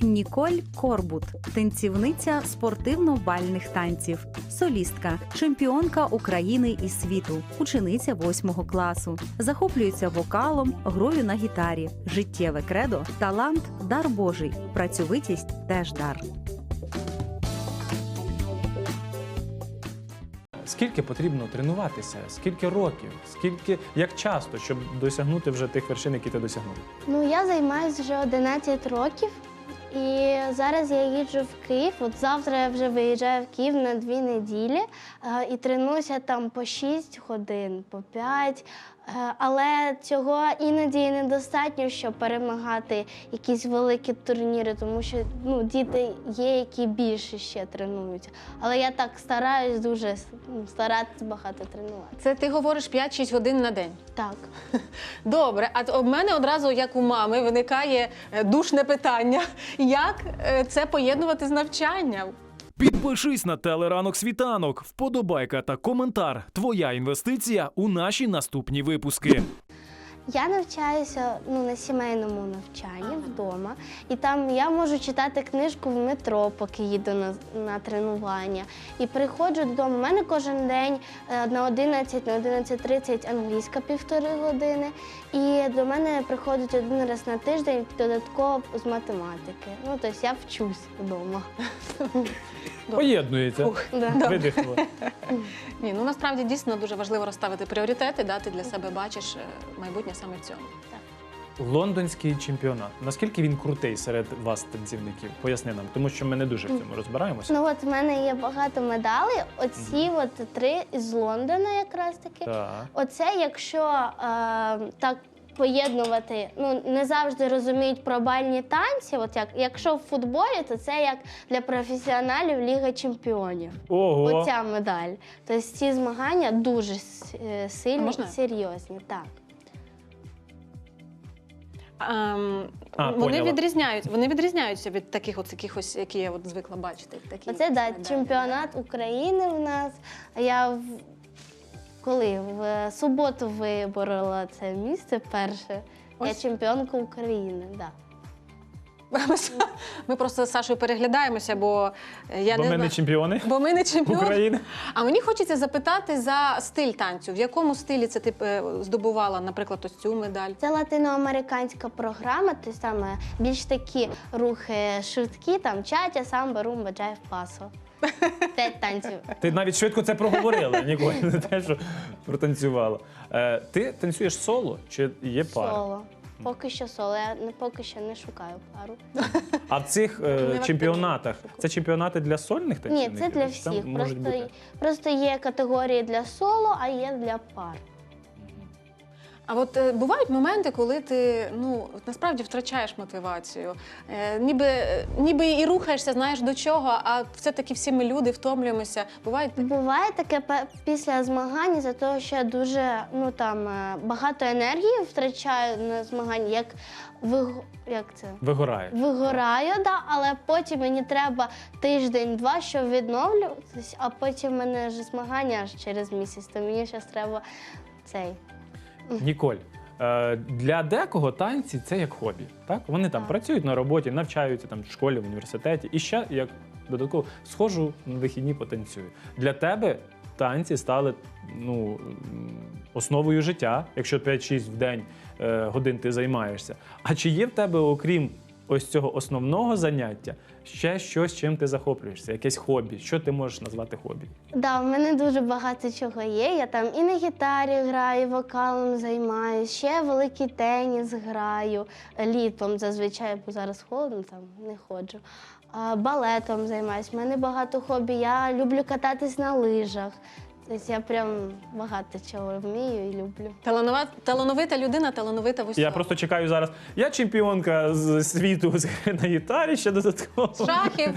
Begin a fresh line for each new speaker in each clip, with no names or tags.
Ніколь Корбут – танцівниця спортивно-бальних танців, солістка, чемпіонка України і світу, учениця 8 класу. Захоплюється вокалом, грою на гітарі. Життєве кредо – талант – дар Божий, працьовитість – теж дар.
Скільки потрібно тренуватися? Скільки років? Як часто, щоб досягнути вже тих вершин, які ти досягнув?
Ну, я займаюся вже 11 років. І зараз я їжджу в Київ. От завтра я вже виїжджаю в Київ на 2 неділі і тренуюся там по 6 годин, по 5. Але цього іноді недостатньо, щоб перемагати якісь великі турніри, тому що діти є, які більше ще тренуються. Але я так стараюсь дуже старатися багато тренувати.
Це ти говориш 5-6 годин на день?
Так.
Добре, а в мене одразу, як у мами, виникає душне питання. Як це поєднувати з навчанням?
Підпишись на телеранок світанок, вподобайка та коментар. Твоя інвестиція у наші наступні випуски.
Я навчаюся на сімейному навчанні вдома. І там я можу читати книжку в метро, поки їду на тренування. І приходжу додому. У мене кожен день на 11, на 11:30 англійська 1,5 години. І до мене приходить 1 раз на тиждень додатково з математики. Тобто я вчусь вдома.
Поєднується. Видихнуло.
Ні, насправді дійсно дуже важливо розставити пріоритети, ти для себе бачиш майбутнє саме в цьому.
Лондонський чемпіонат. Наскільки він крутий серед вас, танцівників? Поясни нам, тому що ми не дуже в цьому розбираємося.
От в мене є багато медалей. Оці 3 із Лондона якраз таки.
Так.
Оце, якщо так поєднувати, не завжди розуміють про бальні танці. Якщо в футболі, то це як для професіоналів Ліга чемпіонів.
Ого!
Оця медаль. Тобто ці змагання дуже сильні і серйозні. Так.
Вони відрізняються від таких якихось, які я звикла бачити.
Оце, чемпіонат України в нас. Я в суботу виборола це місце перше. Я чемпіонка України, так.
Ми просто з Сашою переглядаємося, бо
ми не чемпіони?
Бо ми не чемпіони
України.
А мені хочеться запитати за стиль танцю. В якому стилі це ти здобувала, наприклад, ось цю медаль?
Це латиноамериканська програма, тобто саме більш такі рухи швидкі, там чатя, самба, румба, джайв, пасо. 5 танців.
Ти навіть швидко це проговорила, ніколи не те, що протанцювала. Ти танцюєш соло чи є пара?
Соло. Поки що соло. Я поки що не шукаю пару.
А в цих чемпіонатах, це чемпіонати для сольних танцівників?
Ні, це для всіх. Просто є категорії для соло, а є для пар.
А от бувають моменти, коли ти насправді втрачаєш мотивацію. Ніби і рухаєшся, знаєш до чого, а все-таки всі ми люди втомлюємося.
Буває таке після змагань, за того, що я дуже багато енергії втрачаю на змаганні, як це?
Вигорає.
Вигораю, але потім мені треба тиждень-два, щоб відновлюватися, а потім в мене вже змагання аж через місяць, то мені зараз треба цей.
Ніколь, для декого танці – це як хобі. Так? Вони там працюють на роботі, навчаються там, в школі, в університеті. І ще, як додатково, схожу на вихідні потанцюю. Для тебе танці стали основою життя, якщо 5-6 в день годин ти займаєшся. А чи є в тебе, окрім ось цього основного заняття, ще щось, чим ти захоплюєшся? Якесь хобі? Що ти можеш назвати хобі?
Так, в мене дуже багато чого є. Я там і на гітарі граю, вокалом займаюся, ще великий теніс граю, літом зазвичай, бо зараз холодно, там не ходжу. Балетом займаюся. У мене багато хобі. Я люблю кататись на лижах. Тобто я прям багато чого вмію і люблю.
Талановита людина, талановита в усьому.
Я просто чекаю зараз. Я чемпіонка з світу на гітарі, ще додатково.
Шахів.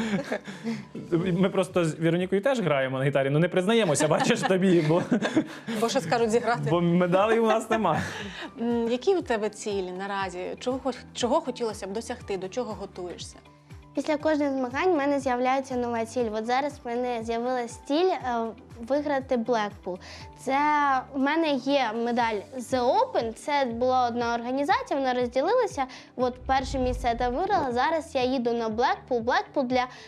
Ми просто з Віронікою теж граємо на гітарі, не признаємося, бачиш тобі,
Бо що скажуть зіграти.
Бо медалей у нас немає.
Які у тебе цілі наразі? Чого хотілося б досягти? До чого готуєшся?
Після кожних змагань в мене з'являється нова ціль. От зараз в мене з'явилася ціль виграти Blackpool. Це в мене є медаль The Open, це була одна організація, вона розділилася. От перше місце я там виграла, зараз я їду на Blackpool. Blackpool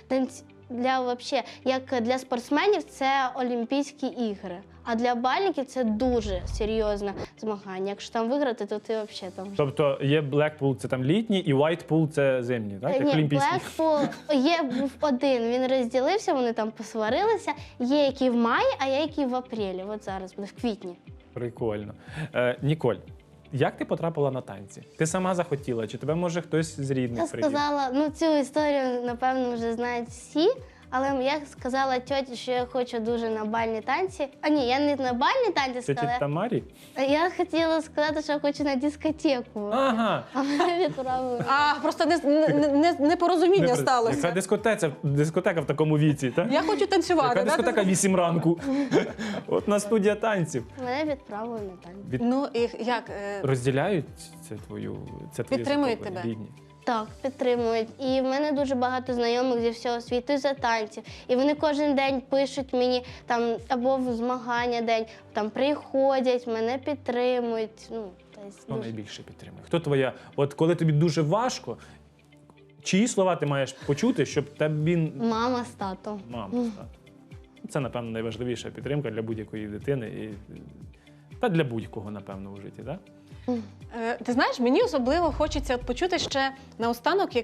вообще, як для спортсменів це Олімпійські ігри. А для бальників це дуже серйозне змагання. Якщо там виграти, то ти взагалі там.
Тобто є Blackpool, це там літній, і Whitepool це зимній, так? Як
Ні,
олімпійський.
Blackpool був один, він розділився, вони там посварилися. Є які в маї, а є які в апрелі. От зараз буде в квітні.
Прикольно. Ніколь, як ти потрапила на танці? Ти сама захотіла, чи тебе може хтось з рідних
Я
привів?
сказала, цю історію, напевно, вже знають всі. Але я сказала тьоті, що я хочу дуже на бальні танці. А ні, я не на бальні танці
Це
сказала.
Тамарі?
Я хотіла сказати, що я хочу на дискотеку.
Ага.
А мене відправили.
А, просто непорозуміння сталося.
Яка дискотека в такому віці, так?
Я хочу танцювати.
Яка
да?
дискотека 8 ранку? От на студія танців.
Мене відправили на танці.
Ну і як?
Розділяють це твоє
Підтримують
захоплення,
тебе?
рідні?
Так, підтримують. І в мене дуже багато знайомих зі всього світу за танців. І вони кожен день пишуть мені там або в змагання день, там приходять, мене підтримують.
Хто найбільше підтримує? Хто твоя? От коли тобі дуже важко, чиї слова ти маєш почути, щоб тобі
Мама з татом.
мама стати? Це, напевно, найважливіша підтримка для будь-якої дитини та для будь-кого, напевно, у житті, так?
Ти знаєш, мені особливо хочеться почути ще наостанок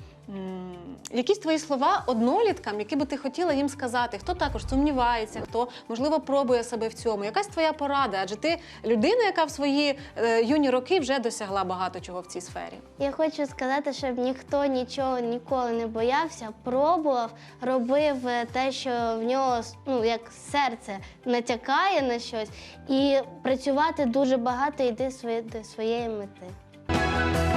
якісь твої слова одноліткам, які би ти хотіла їм сказати. Хто також сумнівається, хто, можливо, пробує себе в цьому. Якась твоя порада? Адже ти людина, яка в свої юні роки вже досягла багато чого в цій сфері.
Я хочу сказати, щоб ніхто нічого ніколи не боявся, пробував, робив те, що в нього як серце натякає на щось, і працювати дуже багато і йти до своєї мети.